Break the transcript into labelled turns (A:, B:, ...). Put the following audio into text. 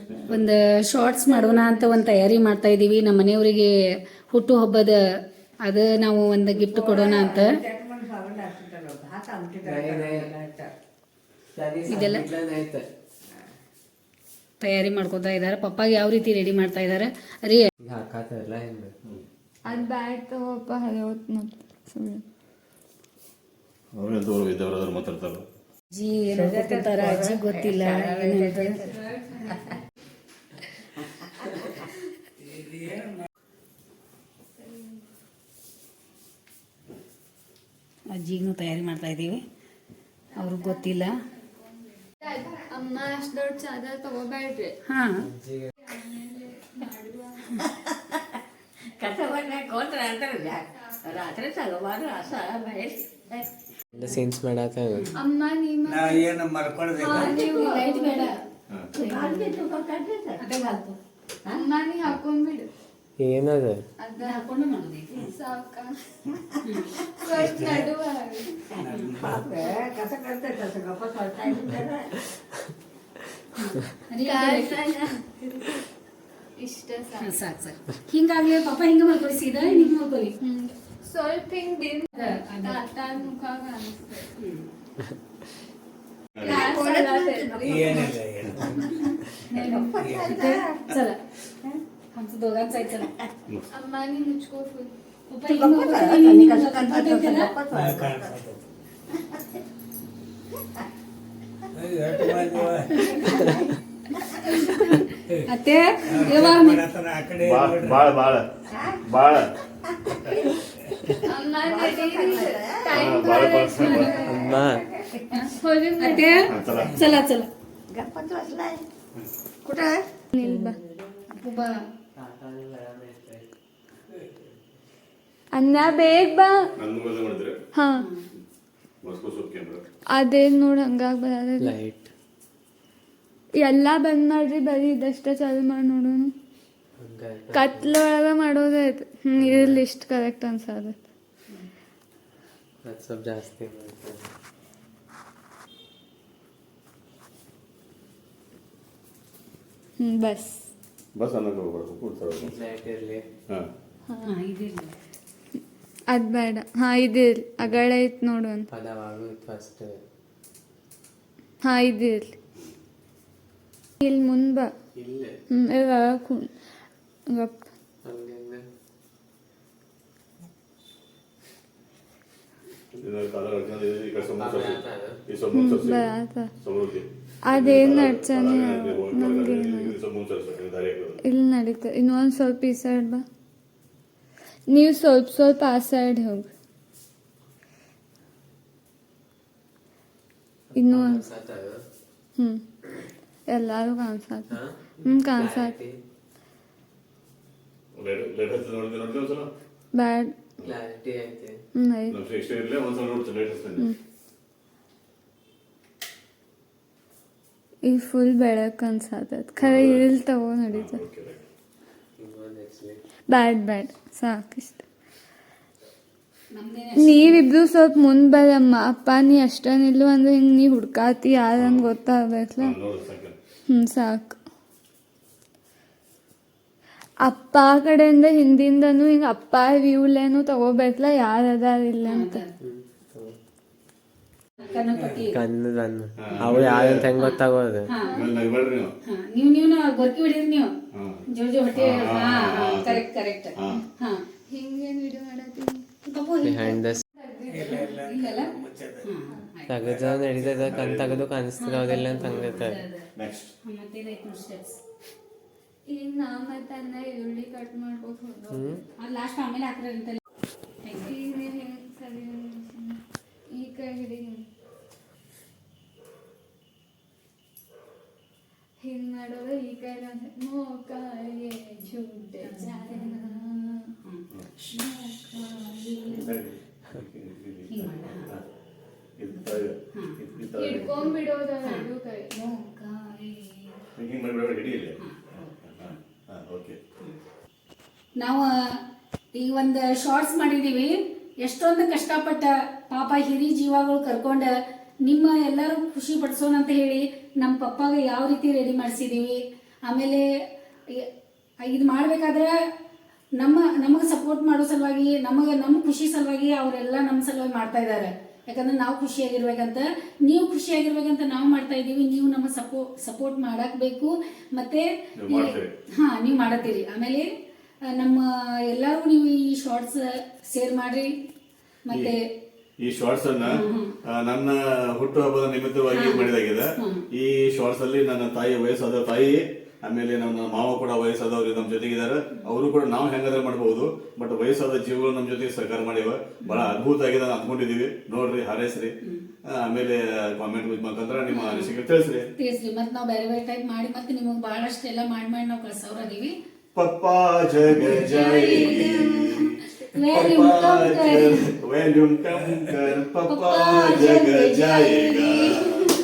A: ಒಂದು ಶಾರ್ಟ್ಸ್ ಮಾಡೋಣ ಅಂತ ಒಂದು ತಯಾರಿ ಮಾಡ್ತಾ ಇದ್ದೀವಿ. ನಮ್ಮ ಮನೆಯವರಿಗೆ ಹುಟ್ಟುಹಬ್ಬದ ಅದು ನಾವು ಒಂದು ಗಿಫ್ಟ್ ಕೊಡೋಣ ಅಂತ ಇದೆಲ್ಲ ತಯಾರಿ ಮಾಡ್ಕೊತಾ ಇದ್ದಾರೆ. ಪಪ್ಪಾಗೆ ಯಾವ ರೀತಿ ರೆಡಿ ಮಾಡ್ತಾ ಇದ್ದಾರೆ ರೀ.
B: ಅದು ಬ್ಯಾಗ್ ತಗೋಪ್ಪ ಹರಿಯೋತ್ ಮತ್ತೆ ಸುಮ್ಮನೆ
A: ಅಜ್ಜಿ ಏನು ಗೊತ್ತಿರ್ತಾರ, ಅಜ್ಜಿ ಗೊತ್ತಿಲ್ಲ ಏನಂತ. ಅಜ್ಜಿಗೂ ತಯಾರಿ ಮಾಡ್ತಾ ಇದ್ದೀವಿ, ಅವ್ರಿಗೆ ಗೊತ್ತಿಲ್ಲ.
B: ಅಮ್ಮ ಅಷ್ಟು ದೊಡ್ಡ ಚಾದರ್ ತಗೋಬೇಡ್ರಿ.
A: ಹಾಂ
C: ಸೀನ್ಸ್ ಮಾಡತ್ತ
B: ಅಮ್ಮ
A: ಲೈಟ್ ಬೇಡ,
B: ಅಮ್ಮ ನೀ ಹಾಕೊಂಡ್ಬಿಡು.
C: ಏನದ
A: ಅದ ಹಾಕೊಂಡು ಮಾಡೋದೈತಿ.
B: ಸಾಕ ಫಸ್ಟ್ ನಡುವ ಇಷ್ಟ ಸಾಕು.
A: ಸಾಕು ಸರ್, ಹಿಂಗಾಗ್ಲಿ ಪಾಪ ಹಿಂಗೆ ಮಾಡ್ಕೊಳ್ಳಿ, ಸೀದಾ ಹಿಂಗೆ ಮಾಡ್ಕೊಳ್ಳಿ.
B: ಸ್ವಲ್ಪ ಹಿಂಗ್ ದಿನ ತಾತ ಮುಖ ಕಾಣಿಸ್ತದೆ.
A: चला आमचं दोघांचा आहे. चला
B: अम्मा नी मुझको फुल
A: पप्पा हिंग करते, अत्ते
D: बाळ बाळ बाळ
B: अम्मा टाइम
C: अम्मा
A: अत्ते चला चला
B: कुठं
A: उभा
B: ಅನ್ನ ಬೇಗ ಬಾ. ಹಾ ಅದೇನ್ ನೋಡ್ ಹಂಗಾಗ್ ಬರ
C: ಲೈಟ್
B: ಎಲ್ಲಾ ಬಂದ್ ಮಾಡ್ರಿ, ಬರೀ ಇದಷ್ಟ ಚಾಲು ಮಾಡಿ ನೋಡೋಣ. ಕತ್ಲೊಳಗ ಮಾಡೋದೈತ್. ಇರ್ಲಿ ಇಷ್ಟ ಕರೆಕ್ಟ್ ಅನ್ಸದ.
C: ಸ್ವಲ್ಪ ಜಾಸ್ತಿ
B: ಬಸ್
D: ಬಸ್ ಅನ್ನಕ್ಕೆ ಹೋಗ್ಬಾರ್ದು.
C: ಲೈಟ್ ಇರಲಿ.
B: ಅದ್ ಬೇಡ. ಹಾ ಇದಿರ್ಲಿ, ಅಗಳ ಐತ್ ನೋಡು ಅಂತ.
C: ಪದವಾಗೋದು ಫಸ್ಟ್.
B: ಹಾ ಇದಿರ್ಲಿ. ಇಲ್ಲಿ ಮುಂದ್ ಬಾ.
C: ಇಲ್ಲೇ
B: ಗಪ್ ಅದೇನ್ ನಡ್ಸಾನೆ ನಮ್ಗೆ ಇಲ್ಲಿ ನಡೀತದೆ. ಇನ್ನೊಂದ್ ಸ್ವಲ್ಪ ಈ ಸೈಡ್ ಬಾ. ನೀವು ಸ್ವಲ್ಪ ಸ್ವಲ್ಪ ಆ ಸೈಡ್ ಹೋಗಿ. ಇನ್ನೂ ಎಲ್ಲಾರು ಕಾಣಿಸತ್ತ. ಕಾಣಿಸತ್ತ ಬ್ಯಾಡ್. ಈಗ ಫುಲ್ ಬೆಳಕ್ ಅನ್ಸತ್ತ. ಖರೆ ಇಲ್ಲಿ ತಗೋ ನಡೀತದೆ. ಬ್ಯಾಡ್ ಬ್ಯಾಡ್ ಸಾಕಿಷ್ಟ. ನೀವಿಬ್ರು ಸ್ವಲ್ಪ ಮುಂದ್ ಬರಮ್ಮ. ಅಪ್ಪ ನೀ ಅಷ್ಟ ನಿಲ್ಲು ಅಂದ್ರೆ ಹಿಂಗ್ ನೀ ಹುಡ್ಕಾತಿ ಯಾರಂದ್ ಗೊತ್ತಾಗ್ಬೇಕಲ್ಲ. ಸಾಕು. ಅಪ್ಪ ಕಡೆಯಿಂದ ಹಿಂದಿಂದನು ಹಿಂಗ ಅಪ್ಪ ವ್ಯೂಲೇನು ತಗೋಬೇಕಲ್ಲ, ಯಾರು ಅದಾರಿಲ್ಲ ಅಂತ.
C: ಕಣ್ಣು ಅವ್ರು ಯಾರಂತ ಹೆಂಗ್ ಗೊತ್ತಾಗೋದು.
A: ನೀವು ನೀವು ಗೊರ್ಕಿ ಬಿಡಿರಿ ನೀವು ಜೋರ್ ಜೋರ್ ಹೊಟ್ಟೆ. Correct correct.
B: ಹಿಂಗೇನು ವಿಡಿಯೋ ಮಾಡತ್ತೀನಿ.
C: ಬಿಹೈಂಡ್ ದ ತೆಗೆದ ನಡೀತದ. ಕಣ್ ತೆಗೆದು ಕಾಣಿಸ್ತಿರೋದಿಲ್ಲ ಅಂತ ಹಂಗಿರ್ತಾರೆ.
B: ಈಗ ನಾ ಮತ್ತೆ ಅನ್ನ ಈರುಳ್ಳಿ ಕಟ್ ಮಾಡ್ಬೇಕು.
A: ಲಾಸ್ಟ್ ಆಮೇಲೆ ಹಾಕ್ರಿ ಅಂತಲ್ಲ.
B: ಈಗ ನೀವು ಹೆಂಗೆ ಸರಿ ಈ ಕೈ ಹಿಡಿ. ಹಿಂಗೆ ಮಾಡೋದು ಈ ಕೈ ಮೋಕಾಯೇ ಝೂಟೆ ಹಿಡ್ಕೊಂಡ್ಬಿಡೋದ ಎರಡು ಕೈ.
A: ನಾವು ಈಗ ಒಂದು ಶಾರ್ಟ್ಸ್ ಮಾಡಿದ್ದೀವಿ. ಎಷ್ಟೊಂದು ಕಷ್ಟಪಟ್ಟ ಪಾಪ ಹಿರಿ ಜೀವಗಳು ಕರ್ಕೊಂಡು ನಿಮ್ಮ ಎಲ್ಲರೂ ಖುಷಿ ಪಡಿಸೋಣ ಅಂತ ಹೇಳಿ ನಮ್ಮ ಪಪ್ಪಾಗ ಯಾವ ರೀತಿ ರೆಡಿ ಮಾಡಿಸಿದ್ದೀವಿ ಆಮೇಲೆ ಇದು ಮಾಡಬೇಕಾದ್ರೆ ನಮಗೆ ಸಪೋರ್ಟ್ ಮಾಡೋ ಸಲುವಾಗಿ ನಮ್ಮ ಖುಷಿ ಸಲುವಾಗಿ ಅವರೆಲ್ಲ ನಮ್ಮ ಸಲುವಾಗಿ ಮಾಡ್ತಾ ಇದ್ದಾರೆ. ಯಾಕಂದ್ರೆ ನಾವು ಖುಷಿಯಾಗಿರ್ಬೇಕಂತ, ನೀವು ಖುಷಿಯಾಗಿರ್ಬೇಕಂತ ನಾವು ಮಾಡ್ತಾ ಇದ್ದೀವಿ. ನೀವು ನಮ್ಮ ಸಪೋರ್ಟ್ ಮಾಡಕ್ ಬೇಕು. ಮತ್ತೆ ನೀವು ಮಾಡತ್ತೀರಿ. ಆಮೇಲೆ ನಮ್ಮ ಎಲ್ಲರೂ ನೀವು ಈ ಶಾರ್ಟ್ಸ್ ಶೇರ್ ಮಾಡ್ರಿ. ಮತ್ತೆ
D: ಈ ಶಾರ್ಟ್ಸ್ ಅನ್ನ ನನ್ನ ಹುಟ್ಟುಹಬ್ಬದ ನಿಮಿತ್ತವಾಗಿ ಮಾಡಿದಾಗಿದೆ. ಈ ಶಾರ್ಟ್ಸ್ ಅಲ್ಲಿ ನನ್ನ ತಾಯಿ ವಯಸ್ಸಾದ ತಾಯಿ, ಆಮೇಲೆ ನಮ್ಮ ಮಾವ ಕೂಡ ವಯಸ್ಸಾದವ್ರು ನಮ್ಮ ಜೊತೆಗಿದ್ದಾರೆ. ಅವರು ಕೂಡ ನಾವು ಹೆಂಗಾದ್ರೆ ಮಾಡಬಹುದು, ಬಟ್ ವಯಸ್ಸಾದ ಜೀವಗಳು ನಮ್ಮ ಜೊತೆಗೆ ಸಹಕಾರ ಮಾಡಿವ. ಬಹಳ ಅದ್ಭುತ ಆಗಿದೆ ಅಂದ್ಕೊಂಡಿದೀವಿ. ನೋಡ್ರಿ, ಹಾರೈಸ್ರಿ. ಆಮೇಲೆ ಕಾಮೆಂಟ್ ಮುಖಾಂತರ ನಿಮ್ಮ ಅನಿಸಿಕೆ ತಿಳಿಸ್ರಿ.
A: ಮತ್ತೆ ನಾವು ಬೇರೆ ಬೇರೆ ಟೈಪ್ ಮಾಡಿ ಮತ್ತೆ ನಿಮಗೆ ಬಹಳಷ್ಟು ಎಲ್ಲ ಮಾಡಿ ನಾವು ಕಳ್ಸೋರಾದೀವಿ.
D: ಪಪ್ಪಾ ಜಗ ಜಾಯೇಗಿ, वॉल्यूम कम कर, पप्पा जग जाएगा.